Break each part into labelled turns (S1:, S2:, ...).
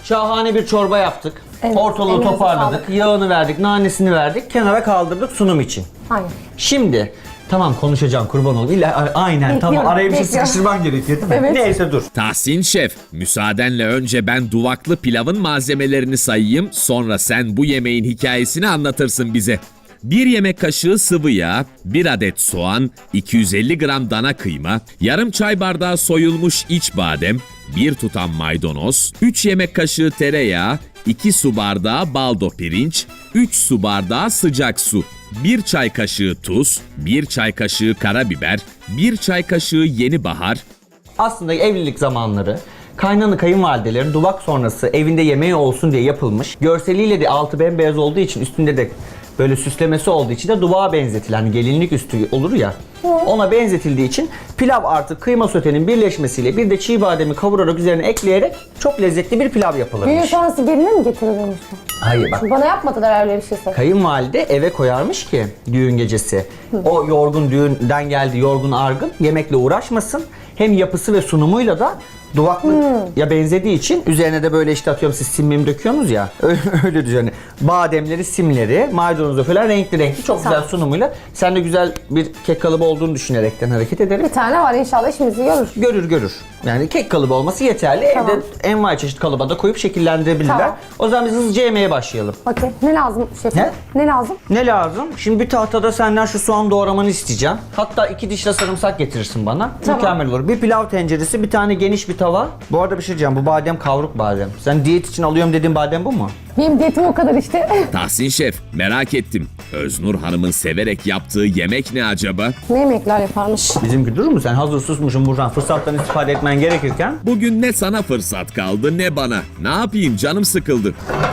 S1: şahane bir çorba yaptık.
S2: Evet,
S1: Ortalığı
S2: elinize
S1: toparladık,
S2: sağlık.
S1: yağını verdik, nanesini verdik, kenara kaldırdık sunum için.
S2: Aynen.
S1: Şimdi tamam konuşacağım kurban olayım. Aynen tamam
S2: Bekliyorum,
S1: araya bir şey
S2: bekliyorum.
S1: sıkıştırman gerekiyor değil mi?
S2: Evet.
S1: Neyse dur.
S3: Tahsin Şef, müsaadenle önce ben duvaklı pilavın malzemelerini sayayım, sonra sen bu yemeğin hikayesini anlatırsın bize. 1 yemek kaşığı sıvı yağ, 1 adet soğan, 250 gram dana kıyma, yarım çay bardağı soyulmuş iç badem, 1 tutam maydanoz, 3 yemek kaşığı tereyağı, 2 su bardağı baldo pirinç, 3 su bardağı sıcak su, 1 çay kaşığı tuz, 1 çay kaşığı karabiber, 1 çay kaşığı yeni bahar,
S1: Aslında evlilik zamanları kaynanı kayınvalidelerin duvak sonrası evinde yemeği olsun diye yapılmış. Görseliyle de altı bembeyaz olduğu için üstünde de böyle süslemesi olduğu için de duvağa benzetilen hani gelinlik üstü olur ya. Ona benzetildiği için pilav artık kıyma sotenin birleşmesiyle bir de çiğ bademi kavurarak üzerine ekleyerek çok lezzetli bir pilav
S2: Düğün
S1: yapılırmış.
S2: sonrası geline mi getirilmiş bu?
S1: Hayır bak.
S2: Bana yapmadılar öyle bir şeyse.
S1: Kayınvalide eve koyarmış ki düğün gecesi. O yorgun düğünden geldi yorgun argın yemekle uğraşmasın. Hem yapısı ve sunumuyla da duvaklı ya benzediği için üzerine de böyle işte atıyorum siz simmim döküyorsunuz ya öyle üzerine bademleri simleri maydanozu falan renkli renkli çok güzel sunumuyla sen de güzel bir kek kalıbı olduğunu düşünerekten hareket ederim.
S2: Bir tane var inşallah işimizi görür.
S1: Görür. Yani kek kalıbı olması yeterli.
S2: Tamam.
S1: Evde envai çeşit kalıba da koyup şekillendirebilirler.
S2: Tamam.
S1: O zaman biz hızlıca yemeğe başlayalım.
S2: Okey. Ne lazım şefim?
S1: Ne?
S2: Ne lazım?
S1: Ne lazım? Şimdi bir tahtada senden şu soğan doğramanı isteyeceğim. Hatta 2 diş de sarımsak getirirsin bana.
S2: Tamam.
S1: Mükemmel olur. Bir pilav tenceresi, bir tane geniş bir tava. Bu arada bir şey diyeceğim. Bu badem kavruk badem. Sen diyet için alıyorum dediğin badem bu mu?
S2: Benim diyetim o kadar işte.
S3: Tahsin Şef, merak ettim. Öznur Hanım'ın severek yaptığı yemek ne acaba?
S2: Ne yemekler yaparmış?
S1: Bizimki durur mu? Sen hazır susmuşsun buradan fırsattan istifade etmen gerekirken.
S3: Bugün ne sana fırsat kaldı ne bana. Ne yapayım canım sıkıldı.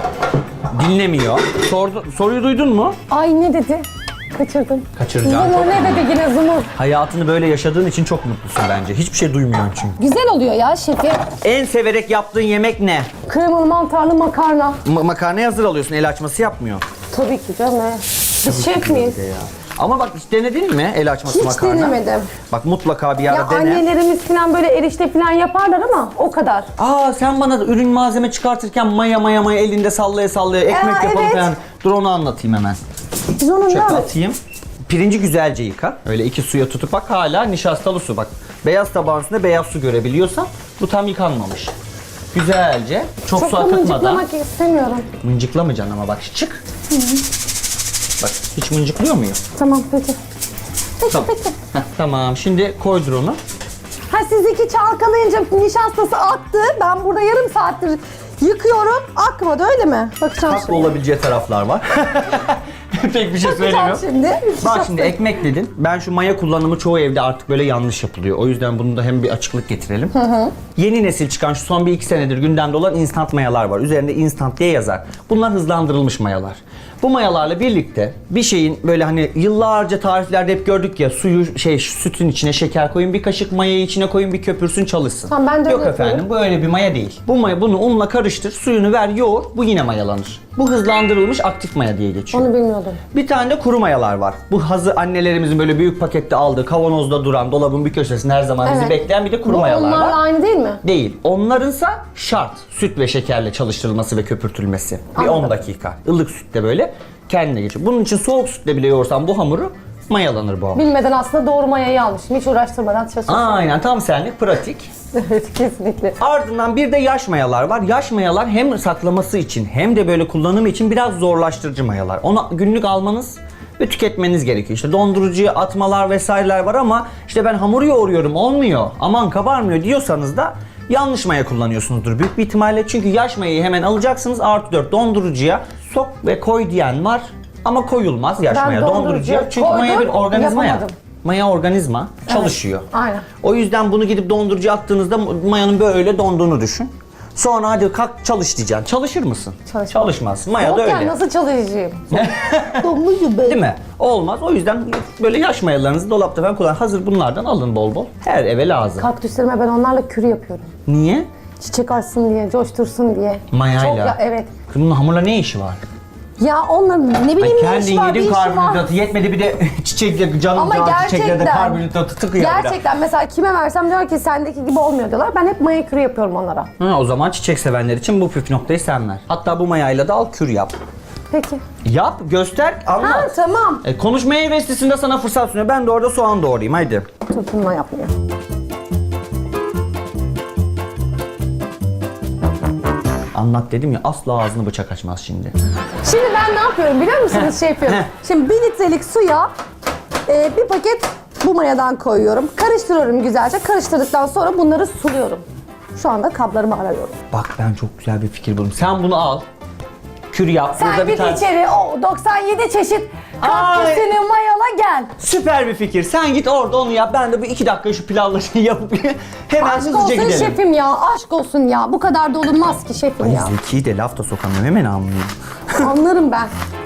S1: Dinlemiyor. Soruyu duydun mu?
S2: Ay ne dedi? Kaçırdım.
S1: Kaçıracağım.
S2: Zumur ne dedi yine Zumur?
S1: Hayatını böyle yaşadığın için çok mutlusun bence. Hiçbir şey duymuyorsun çünkü.
S2: Güzel oluyor ya şefim.
S1: En severek yaptığın yemek ne?
S2: Kremalı mantarlı makarna.
S1: Makarnayı hazır alıyorsun. El açması yapmıyor.
S2: Tabii ki canım. Biz şef miyiz?
S1: Ama bak hiç denedin mi el açması
S2: Hiç
S1: makarna?
S2: denemedim.
S1: Bak mutlaka bir
S2: Ya
S1: ara dene.
S2: annelerimiz falan böyle erişte falan yaparlar ama o kadar.
S1: Aa sen bana da ürün malzeme çıkartırken maya elinde sallaya sallaya ekmek
S2: Aa,
S1: yapalım
S2: evet.
S1: falan. Dur onu anlatayım hemen.
S2: Biz onun
S1: Çöpe
S2: ne
S1: atayım. Pirinci güzelce yıka. Öyle 2 suya tutup bak hala nişastalı su bak. Beyaz tabağın üstünde beyaz su görebiliyorsan bu tam yıkanmamış. Güzelce çok
S2: Çok
S1: su
S2: da
S1: akıtmadan.
S2: mıncıklamak istemiyorum.
S1: Mıncıklamayacaksın ama bak çık. Bak hiç mıncıklıyor muyum?
S2: Tamam peki.
S1: Tamam. Heh, tamam şimdi koydur onu.
S2: Ha siz iki çalkalayınca nişastası aktı. Ben burada yarım saattir yıkıyorum. Akmadı öyle mi? Bakacağım
S1: Haklı olabileceği taraflar var. Pek bir şey
S2: Bakacağım
S1: söylemiyorum.
S2: şimdi.
S1: Bak şimdi ekmek dedin. Ben şu maya kullanımı çoğu evde artık böyle yanlış yapılıyor. O yüzden bunu da hem bir açıklık getirelim. Yeni nesil çıkan şu son bir iki senedir gündemde olan instant mayalar var. Üzerinde instant diye yazar. Bunlar hızlandırılmış mayalar. Bu mayalarla birlikte bir şeyin böyle hani yıllarca tariflerde hep gördük ya sütün içine şeker koyun, bir kaşık mayayı içine koyun, bir köpürsün çalışsın.
S2: Tamam, ben de
S1: Yok
S2: öyle
S1: efendim
S2: yapıyorum.
S1: bu öyle bir maya değil. Bunu unla karıştır, suyunu ver, yoğur, bu yine mayalanır. Bu hızlandırılmış aktif maya diye geçiyor.
S2: Onu bilmiyordum.
S1: Bir tane de kuru mayalar var. Bu hazır annelerimizin böyle büyük pakette aldığı, kavanozda duran, dolabın bir köşesinde her zaman bizi
S2: Evet.
S1: bekleyen bir de kuru
S2: Bu
S1: mayalar
S2: onlarla
S1: var.
S2: aynı değil mi?
S1: Değil. Onlarınsa şart. Süt ve şekerle çalıştırılması ve köpürtülmesi. Bir
S2: Anladım.
S1: 10 dakika. Ilık sütle böyle kendine geçiyor. Bunun için soğuk sütle bile yoğursan bu hamuru mayalanır bu hamur.
S2: Bilmeden aslında doğru mayayı almışım. Hiç uğraştırmadan çalışıyorum.
S1: Aynen tam senlik pratik.
S2: Evet kesinlikle.
S1: Ardından bir de yaş mayalar var. Yaş mayalar hem saklaması için hem de böyle kullanımı için biraz zorlaştırıcı mayalar. Onu günlük almanız ve tüketmeniz gerekiyor. İşte dondurucuya atmalar vesaireler var ama işte ben hamur yoğuruyorum olmuyor, aman kabarmıyor diyorsanız da yanlış maya kullanıyorsunuzdur büyük bir ihtimalle. Çünkü yaş mayayı hemen alacaksınız +4 dondurucuya sok ve koy diyen var ama koyulmaz yaş
S2: Ben
S1: maya dondurucuya. Çünkü
S2: koydum,
S1: maya bir organizma ya.
S2: yapamadım.
S1: Maya organizma çalışıyor.
S2: Aynen.
S1: O yüzden bunu gidip dondurucuya attığınızda mayanın böyle donduğunu düşün. Sonra hadi kalk çalış diyeceksin. Çalışır mısın?
S2: Çalışmam.
S1: Çalışmaz. Maya da
S2: Yokken
S1: öyle.
S2: nasıl çalışayım? Domuzum ben.
S1: Değil mi? Olmaz. O yüzden böyle yaş mayalarınızı dolapta falan kullan. Hazır bunlardan alın bol bol. Her eve lazım.
S2: Kaktüslerime ben onlarla kür yapıyorum.
S1: Niye?
S2: Çiçek açsın diye, coştursun diye.
S1: Mayayla.
S2: Çok evet.
S1: Kız bunun hamurla ne işi var?
S2: Ya onların ne
S1: Ay
S2: bileyim ne
S1: kendin
S2: işi var, bir
S1: yedin
S2: işi var.
S1: karbonhidratı yetmedi bir de çiçekle canım
S2: Ama
S1: can çiçekle de
S2: gerçekten,
S1: karbonhidratı tıkıyor bir de.
S2: gerçekten mesela kime versem diyor ki sendeki gibi olmuyor diyorlar. Ben hep maya kürü yapıyorum onlara.
S1: Ha, o zaman çiçek sevenler için bu püf noktayı sen ver. Hatta bu mayayla da al kür yap.
S2: Peki.
S1: Yap, göster,
S2: Ha
S1: anlat.
S2: tamam.
S1: Konuşmaya heveslisinde sana fırsat sunuyor. Ben de orada soğan doğrayayım haydi.
S2: Tutulma yapmıyor.
S1: Anlat dedim ya asla ağzını bıçak açmaz şimdi.
S2: Şimdi ben ne yapıyorum biliyor musunuz? Şey yapıyorum. Şimdi 1 litrelik suya bir paket bu mayadan koyuyorum. Karıştırıyorum güzelce. Karıştırdıktan sonra bunları suluyorum. Şu anda kablarımı arıyorum.
S1: Bak ben çok güzel bir fikir buldum. Sen bunu al. Kür yap.
S2: Sen
S1: Burada
S2: git
S1: tane-
S2: içeri o 97 çeşit
S1: Ay.
S2: kaktüsünü mayala gel.
S1: Süper bir fikir. Sen git orada onu yap. Ben de bir 2 dakika şu pilavları yapıp hemen
S2: Aşk
S1: hızlıca
S2: olsun
S1: gidelim.
S2: şefim ya. Aşk olsun ya. Bu kadar da olunmaz ki şefim
S1: Ay
S2: ya.
S1: Zeki'yi de laf da sokamıyorum. Hemen anlıyorum.
S2: Anlarım ben.